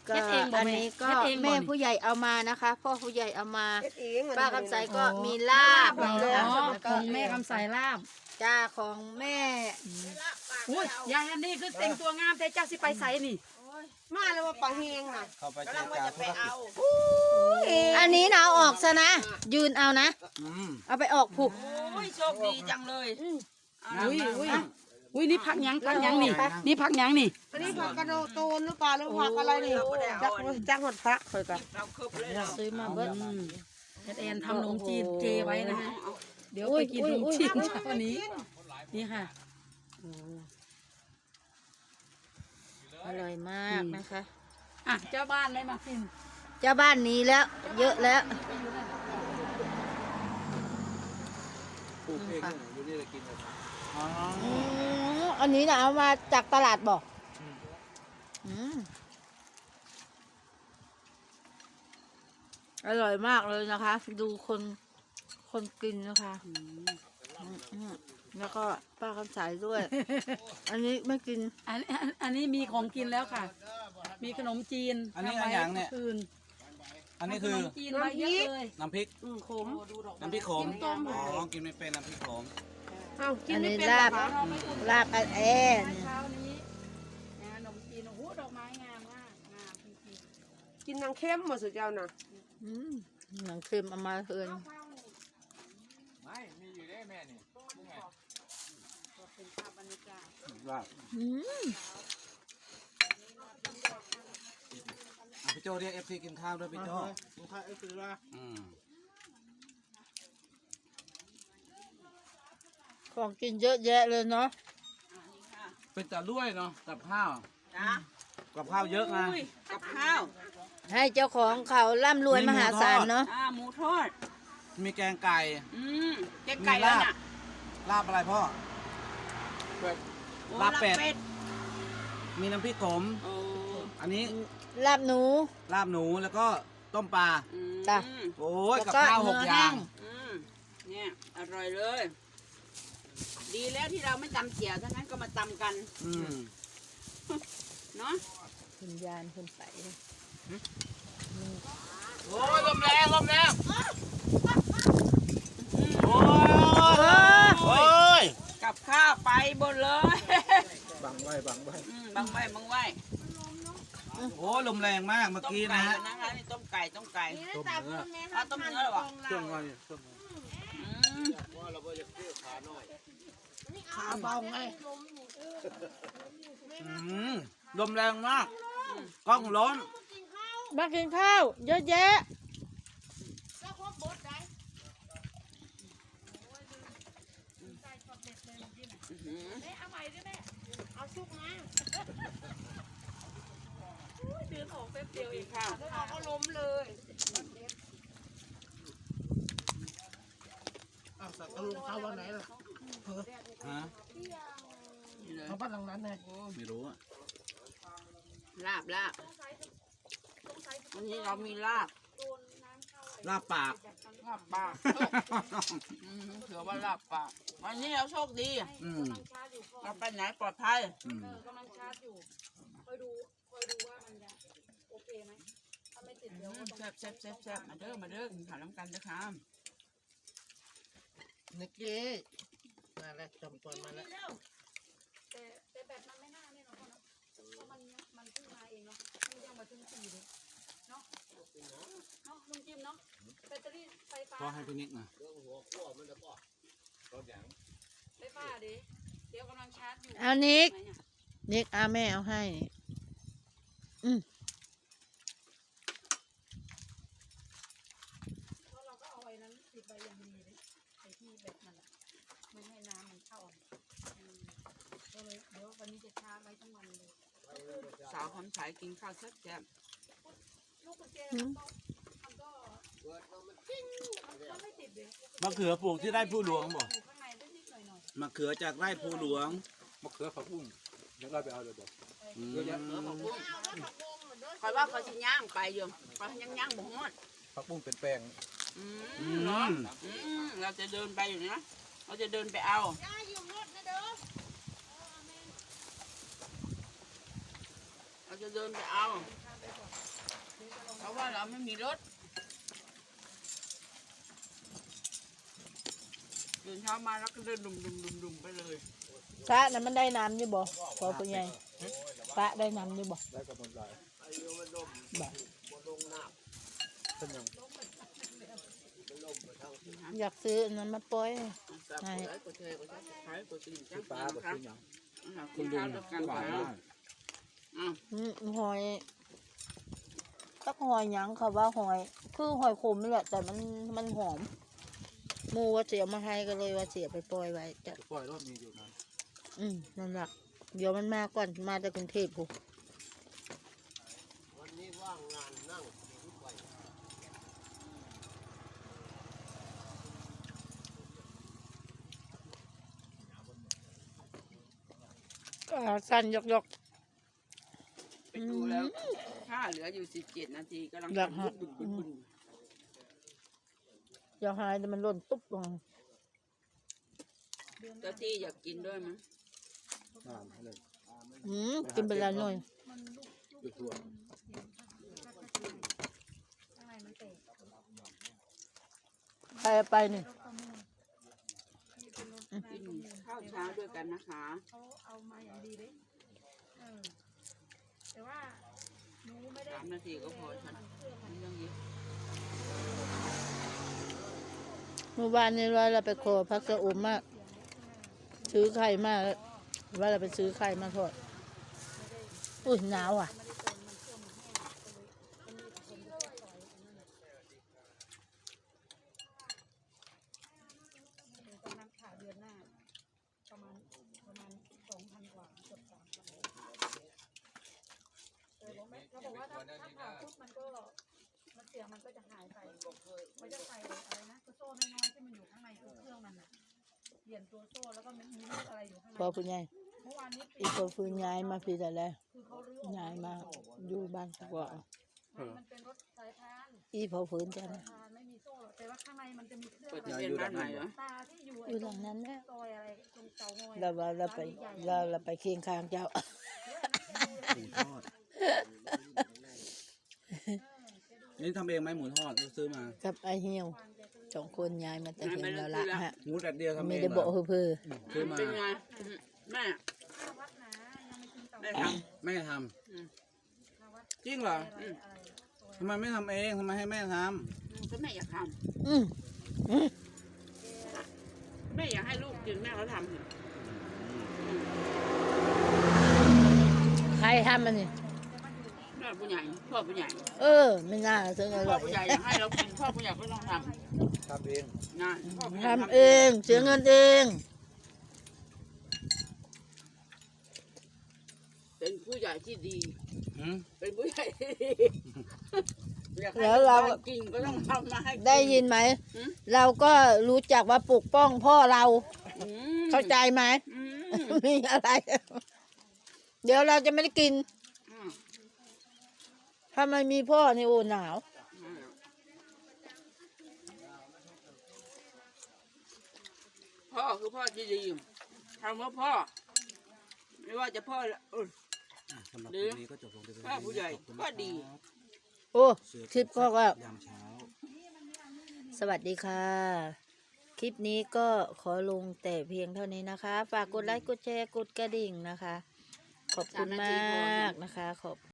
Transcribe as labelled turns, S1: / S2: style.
S1: ก็อันนี้ก็แม่ผู้ใหญ่เอามานะคะพ่อผู้ใหญ่เอามาป้าคำใสก็มีลาบ
S2: ของแม่คำใสลาบ
S1: จ้าของแม่
S2: อุ้ยยายอันนี้คือแต่งตัวงามแต่เจ้าสิไปใส่นี่
S3: มาแล้วว่าปลาเฮงน่ะ
S4: เข้าไปเจรจาธุรกิจ
S1: อันนี้นะเอาออกซะนะยืนเอานะ
S4: อืม
S1: เอาไปออกผูก
S5: อุ้ยโชคดีจังเลย
S2: อุ้ยนี่พักหยังนี่นี่พักหยังนี่
S3: อันนี้ผักกระโดดโตนหรือเปล่าหรือผักอะไรนี่จักหดพระเคยกัน
S5: เราคืบเลยเรา
S1: ซื้อมาเบิด
S2: แอนทำขนมจีนเจไว้นะฮะเดี๋ยวไปกินขนมจีนเช้านี้นี่ค่ะ
S1: อร่อยมากนะคะ
S2: อ่ะเจ้าบ้านไม่มากิน
S1: เจ้าบ้านนี้แล้ว เยอะแล้ว
S4: ปลูกเองอยู่นี่เลยกินเลย
S1: อันนี้นะเอามาจากตลาดบอกอร่อยมากเลยนะคะ ดูคนกินนะคะแล้วก็ป้าคำสายด้วย อันนี้ไม่กิน
S2: อันนี้มีของกินแล้วค่ะ มีขนมจีน
S4: อันนี้อะไรอย่างเนี่ย
S2: คืน
S4: อันนี้คือ
S2: ขนมจีนมาเยอะเลย
S4: น้ำพริก
S2: ขม
S4: น้ำพริกขมอ๋อกินไม่เป็นน้ำพริกขม
S3: เอ้ากิน
S1: อัน
S3: ไม่
S1: นี้
S3: เป็น
S1: ลาบ
S3: เหรอคะ
S1: ลาบอันแอน
S2: เช้านี้นะขนมจีนโอ้โหดอกไม้งามมากงามจริง
S3: กินนางเข้มหมดสุดเจ้าน่ะ
S1: หนังเค็มเอามาเทิน
S4: ไม่มีอยู่ได้แม่นี่
S2: ๆเป็นภาพบรรยากาศ
S4: ว่าพี่โจเรียกเอฟซีกินข้าวด้วยพี่โจกินข้าวเอฟซีละ
S1: ของกินเยอะแยะเลยเนาะ
S4: เป็นแต่ด้วยเนาะกับข้าว
S5: นะ
S4: กับข้าวเยอะนะ
S5: อุ้ยกับข้าว
S1: ให้เจ้าของเขาร่ำรวยมหาศาลเนาะ
S5: หมูทอด
S4: มีแกงไก่
S5: แกงไก่แล้วน่ะ
S4: ลาบอะไรพ่อ
S5: โอ้
S4: ลาบเป็ด มีน้ำพริกขม
S5: โอ้
S4: อันนี้
S1: ลาบหนู
S4: ลาบหนูแล้วก็ต้มปลา
S1: จ้ะ
S4: โอ้ย
S1: แล้ว
S4: กับ
S1: ก็
S4: ข้าวหก
S1: เนื้อ
S4: อย่า
S1: แห้
S4: ง
S1: ง
S5: เนี่ยอร่อยเลย ดีแล้วที่เราไม่ตำเจียวถ้างั้นก็มาตำกัน
S4: อืม
S5: เนาะ
S1: คุณยานคุณใสเลย
S4: โอ้ยลมแรงลมแรงโอ้ยโอ้ย
S5: กับข้าวไปหมดเลย
S4: บังไว้บังไว้
S5: บังไว้บังไว้
S4: โอ้ยลมแรงมากเมื่อ
S5: ต้ม
S4: กี้
S5: ไก่
S4: นะฮะ
S5: นะคะนี่ต้มไก่ต้มไก่
S4: ต้มเนื้อ
S5: เอาต้มเนื้อหรอวะ
S4: เครื่องไว้เครื่อง
S3: ขาเบาไง
S4: ลมแรงมากกล้องร้อน
S1: มากินข้าวเยอะแยะ
S5: กินข้าว
S3: ก็ล้มเลย
S4: ฮะ
S3: เขาบ้านหลังนั้นไง
S4: ไม่รู้อะ
S5: ลาบวันนี้เรามีลาบ
S4: ลาบปาก
S5: ลาบปากถือว่าลาบปากวันนี้เราโชคดี
S4: อืม
S5: เราไปไหนปลอดภัย
S4: อืม
S2: กำลังชาร์จอยู่คอยดูว่ามันจะโอเคไหมถ้าไม่ติดเดี๋ยวก็ต้อง
S5: แซ่บมาเด้อกินข้าวน้ำกันนะครับ
S3: นิกกี้มาแล้วจำปนมาแล้ว
S2: แต่แบบมันไม่น่าเนี่ยเนาะเนาะเพราะมันเพิ่งมาเองเนาะมันยังมาถึง4เลยเนาะลุงจิมเนาะแบตเตอรี่ไฟฟ้า
S4: พอให้พี่นิกนะ
S2: ไฟฟ้าดิเดี๋ยวกำลังชาร์จอยู่
S1: เอานิกนิกเอาแม่เอาให้นี่
S2: เพราะเราก็เอาไว้นั้นติดไว้อย่างดีเลยไอ้ที่แบบมันอะไม่ให้น้ำมันเข้าก็เลยเดี๋ยววันนี้จะชาร์จไว้ทั้งวันเลย
S5: สาวคำสายกินข้าวแซ่บ
S2: ลูกกุญแจมันก็ไม่ติดเลย
S4: มะเขือปลูกที่ไร่ผู้หลวงบอก
S2: อยู่ข้างในได้นิดหน่อย
S4: มะเขือจากไร่ผู้หลวง
S6: มะเขือผักบุ้งเดี๋ยวเราไปเอาเดี๋ยว
S4: อืม
S5: คอยว่าเขาสิย่างไปอยู่เขาย่างบ่ฮอด
S6: ผักบุ้งเป็นแป้ง
S5: เราจะเดินไปอยู่นะเราจะเดินไปเอาเราจะเดินไปเอา
S2: ข้ามไปก่อน
S5: เราไม่มีรถตื่นเช้ามาแล้วก็เดินดุมไปเลย
S1: พระนั้นมันได้น้ำอยู่บ่พอผู้ใหญ่พระได้น้ำอยู่บ่
S6: ได้กำลังใจ
S1: บ่
S6: เป็นยัง
S1: อยากซื้ออันนั้นมาปล่อย
S5: ใช่กดแชร์กดซับสไครต์กดกระดิ่งแจ้ง
S6: ปลา
S5: เตือน
S6: แบบ
S5: นะครับ
S6: เป็นยัง
S5: คุณลุงกันหวานมาก
S1: หอยตักหอยหยังค่ะว่าหอยคือหอยขมนี่แหละแต่มันหอมหมูว่าเสียมาให้ก็เลยว่าเสียไปปล่อยไว้จ้ะ
S6: ปล่อยรอบนี้อยู่นะ
S1: นั่นแหละเดี๋ยวมันมาก่อนมาจากกรุงเทพผมสั้นยก
S5: ไปดูแล้วค่าเหลืออยู่17 นาทีกำลังบึ้น
S1: อย่าหายแต่มันหล่นตุ๊บลง
S5: เจ้าที่อยากกินด้วยมั้ย
S6: น้ำอะไร
S1: กินไปแล้วหน่อย
S6: ไปทั่ว
S1: ไปเอาไปนี่
S5: กินข้าวเช้าด้วยกันนะคะ
S2: เขาเอามาอย่างดีเลยแต่ว่าหนูไม่ได้
S5: 3 นาทีก็พอฉันไม่ต้องเยอะ
S1: เมื่อวานนี้เราไปขอพักสะอมมากซื้อไข่มาว่าเราไปซื้อไข่มาทอดอุ้ยหนาวอ่ะ
S2: กำลังขายเดือนหน้าประมาณ2,000 กว่าเกือบ3,000เขาบอกว่าถ้าผ่าปุ๊บมันเสียงมันก็จะหายไปมันจะใส่อะไรนะตัวโซ่น้อยๆที่มันอยู่ข้างในตัวเครื่องมันน่ะเปลี่ยนตัวโซ่แล้วก็มันมีลูกอะไรอยู่ข้างใน
S1: พอคุณยาย
S2: เมื่อวานนี้
S1: อีกคนฟื้นย้ายมาพี่แต่แล้ว
S2: คือเขารื้อ
S1: ย้ายมาอยู่บ้านกว่า
S2: มันเป็นรถสายพาน
S1: อีพอฟื้นจ้ะ
S2: สายพานไม่มีโซ่หรอกแต่ว่าข้างในมันจะมีเครื่อง
S5: เปิดจะเป็นบ้านใหม่เหรอ
S2: ตาที่อยู่
S1: อยู่หลังนั้นแหละ
S2: ซอยอะไรตรงเตางอย
S1: เราไปเคียงข้างเจ้า
S4: หมูทอดนี่ทำเองไหมหมูทอดซื้อมา
S1: กับไอเหี่ยว2 คนย้ายมาแต่เห็นเราละฮะ
S4: หมูแดดเดียวทำเอง
S1: ไม่ได้บอกเพื่อ
S4: ซื้อมา
S5: เป็นไงแม่
S2: วัดนะยังไม่ถึงเตา
S5: ได้ท
S4: แม่ทำจริงเหรอทำไมไม่ทำเองทำไมให้แม่ท
S5: ำก็แม่อยากท
S1: อืม
S5: ำแม่อยากให้ลูกกินแม่เขาทำ
S1: ใครทำมันนี่
S5: แม่ผู้ใหญ่พ่อผู้ใหญ่
S1: ไม่น่าซื้ออ
S5: พ่
S1: ร่
S5: อ
S1: อย
S5: ผู้ใหญ่อยากให้เรากินพ่อผู้ใหญ่ก็ต้องท
S6: ทำเอง
S5: ำนะพ่อผู้ใหญ่
S1: ทำเองเสียเงินเอง
S5: เป็นผู้ใหญ่ที่ดี
S4: หืม
S5: เป็นผู้ใหญ่ที่ดีอยากให้
S1: แล้วเรา
S5: กินก็ต้องทำมาให้กิน
S1: ได้ยินไหม
S5: หืม
S1: เราก็รู้จักว่าปกป้องพ่อเรา
S5: อืม
S1: เข้าใจไหม
S5: อืม
S1: มีอะไร เดี๋ยวเราจะไม่ได้กิน
S5: อืม
S1: ถ้าไม่มีพ่อนี่โอ้หนาว
S5: พ่อคือพ่อที่ดีทำว่าพ่อ ไม่ว่าจะพ่อ
S4: อ่
S5: อื่น
S4: ะสำหรับ
S5: หรือ
S4: วันนี้ก็จบลงไปเป็น
S5: พ่อผู้ใหญ่
S4: ขอบคุณ
S5: ก็ดี
S4: ครับ
S1: โอ้
S4: เสือ
S1: คลิปก็ว่า
S4: ยามเช้า
S1: สวัสดีค่ะ คลิปนี้ก็ขอลงแต่เพียงเท่านี้นะคะ ฝากกดไลค์ กดแชร์ กดกระดิ่งนะคะ ขอบคุณมากนะคะขอบ